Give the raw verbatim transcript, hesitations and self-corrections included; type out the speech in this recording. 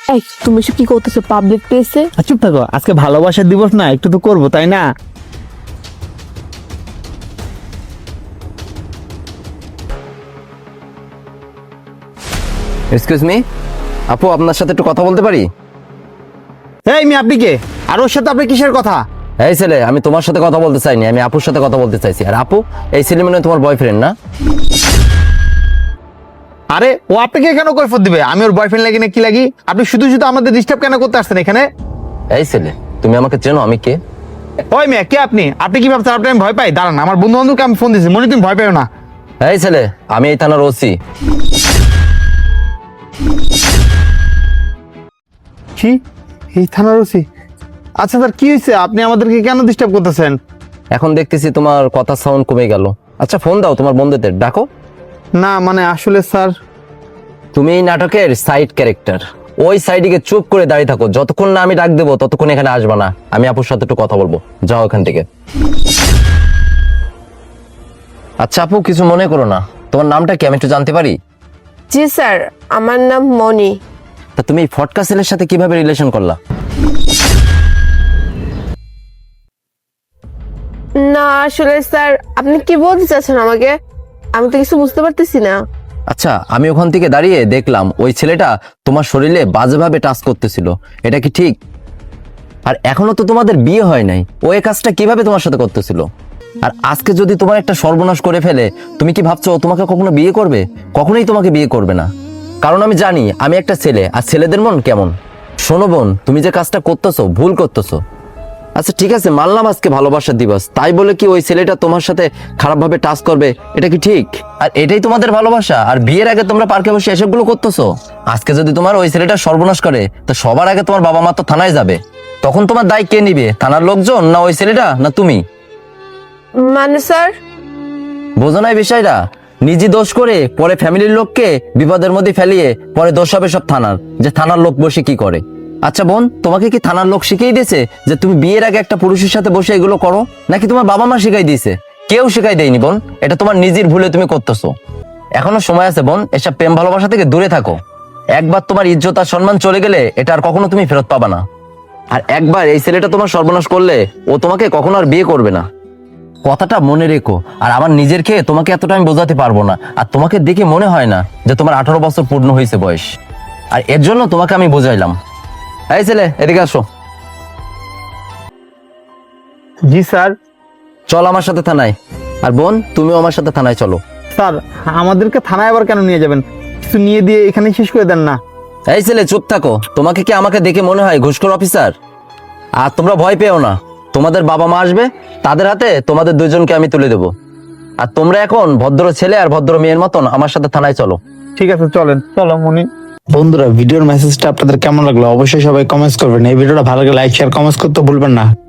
এই তুমি সব কি করতেছো পাবলিক প্লেসে? চুপ থাকো, আজকে ভালোবাসার দিবস না, একটু তো করবো তাই না? এক্সকিউজ মি আপু, আপনার সাথে একটু কথা বলতে পারি? এই মি, আপনি কে? আর ওর সাথে আপনি কিসের কথা? এই ছেলে, আমি তোমার সাথে কথা বলতে চাইনি, আমি আপুর সাথে কথা বলতে চাইছি। আর আপু, এই ছেলে মনে হয় তোমার বয়ফ্রেন্ড না? আরে ও আপনাকে কেন কৈফিয়ত দিবে? আমি ওর বয়ফ্রেন্ড লাগি না কি লাগি? আপনি শুধু শুধু আমাদের ডিস্টার্ব কেন করতে আসছেন এখানে? এই ছেলে, তুমি আমাকে চেনো? আমি কে? ওই মেয়ে, কে আপনি? আপনি কি ভাবছেন আপনি আমি ভয় পাই? দাঁড়ান, আমার বন্ধু বান্ধবকে আমি ফোন দিয়েছি, মনে তুমি ভয় পাও না। এই ছেলে, আমি এই থানার ওসি। কি? এই থানার ওসি? আচ্ছা স্যার, কি হয়েছে? আপনি আমাদেরকে কেন ডিস্টার্ব করতেছেন? এখন দেখতেছি তোমার কথা সাউন্ড কমে গেল। আচ্ছা ফোন দাও তোমার বন্ধুদের, ডাকো। না মানে আসলে স্যার, তুমি এই নাটকের সাইড ক্যারেক্টার। ওই সাইডে চুপ করে দাঁড়িয়ে থাকো, যতক্ষণ না আমি ডাক দেবো ততক্ষণ এখানে আসবা না। আমি আপুর সাথে একটু কথা বলবো, যাও এখান থেকে। আচ্ছা আপু, কিছু মনে করো না, তোমার নামটা কি আমি একটু জানতে পারি? জি স্যার, আমার নাম মনি। তা তুমি এই ফটকা ছেলের সাথে কিভাবে রিলেশন করলা? না আসলে স্যার, আপনি কি বলতে চাচ্ছেন আমাকে? আমি তো কিছু বুঝতে পারতেছি না। আচ্ছা, আমি ওখান থেকে দাঁড়িয়ে দেখলাম ওই ছেলেটা তোমার শরীরে বাজেভাবে টাচ করতেছিল, এটা কি ঠিক? আর এখনো তো তোমাদের বিয়ে হয় নাই, ও এই কাজটা কিভাবে তোমার সাথে করতেছিল? আর আজকে যদি তোমার একটা সর্বনাশ করে ফেলে, তুমি কি ভাবছো ও তোমাকে কখনো বিয়ে করবে? কখনোই তোমাকে বিয়ে করবে না, কারণ আমি জানি আমি একটা ছেলে, আর ছেলেদের মন কেমন। শোনো বোন, তুমি যে কাজটা করতেছো ভুল করতেছো। আচ্ছা ঠিক আছে, মানলাম আজকে ভালোবাসার দিবস, তাই বলে কি ওই ছেলেটা তোমার সাথে খারাপভাবে টাচ করবে? এটা কি ঠিক? আর এটাই তোমাদের ভালোবাসা? আর বিয়ের আগে তোমরা পার্কে বসে এসবগুলো করতেছো? আজকে যদি তোমার ওই ছেলেটা সর্বনাশ করে, তো সবার আগে তোমার বাবা মা তো থানায় যাবে, তখন তোমার দায় কে নিবে? থানার লোকজন, না ওই ছেলেটা, না তুমি? মানে স্যার, বোঝো না এই বিষয়টা? নিজে দোষ করে পরে ফ্যামিলির লোককে বিপদের মধ্যে ফেলিয়ে পরে দোষ হবে সব থানার, যে থানার লোক বসে কি করে। আচ্ছা বোন, তোমাকে কি থানার লোক শিখিয়ে দিয়েছে যে তুমি বিয়ের আগে একটা পুরুষের সাথে বসে এগুলো করো, নাকি তোমার বাবা মা শিখাই দিয়েছে? কেউ শিখাই দেয়নি বোন, এটা তোমার নিজের ভুলে তুমি করতেছো। এখনো সময় আছে বোন, এসব প্রেম ভালোবাসা থেকে দূরে থাকো। একবার তোমার ইজ্জত আর সম্মান চলে গেলে এটা আর কখনো তুমি ফেরত পাবা না। আর একবার এই ছেলেটা তোমার সর্বনাশ করলে ও তোমাকে কখনো আর বিয়ে করবে না, কথাটা মনে রেখো। আর আমার নিজের খেয়ে তোমাকে এতটা আমি বোঝাতে পারবো না, আর তোমাকে দেখে মনে হয় না যে তোমার আঠারো বছর পূর্ণ হয়েছে বয়স, আর এর জন্য তোমাকে আমি বোঝাইলাম। এই ছেলে, এদিকে আসো। জি স্যার। চল আমার সাথে থানায়। আর বোন, তুমিও আমার সাথে থানায় চলো। স্যার, আমাদেরকে থানায় আবার কেন নিয়ে যাবেন? কিছু নিয়ে দিয়ে এখানে শেষ করে দেন না। এই ছেলে চুপ থাকো, তোমাকে কি আমাকে দেখে মনে হয় ঘুষখোর অফিসার? আর তোমরা ভয় পেও না, তোমাদের বাবা মা আসবে, তাদের হাতে তোমাদের দুজনকে আমি তুলে দেবো। আর তোমরা এখন ভদ্র ছেলে আর ভদ্র মেয়ের মতন আমার সাথে থানায় চলো। ঠিক আছে চলেন, চলো মনি। বন্ধুরা, ভিডিওর মেসেজটা আপনাদের কেমন লাগলো অবশ্যই সবাই কমেন্টস করবেন। এই ভিডিওটা ভালো লাগলে লাইক শেয়ার কমেন্টস করতে ভুলবেন না।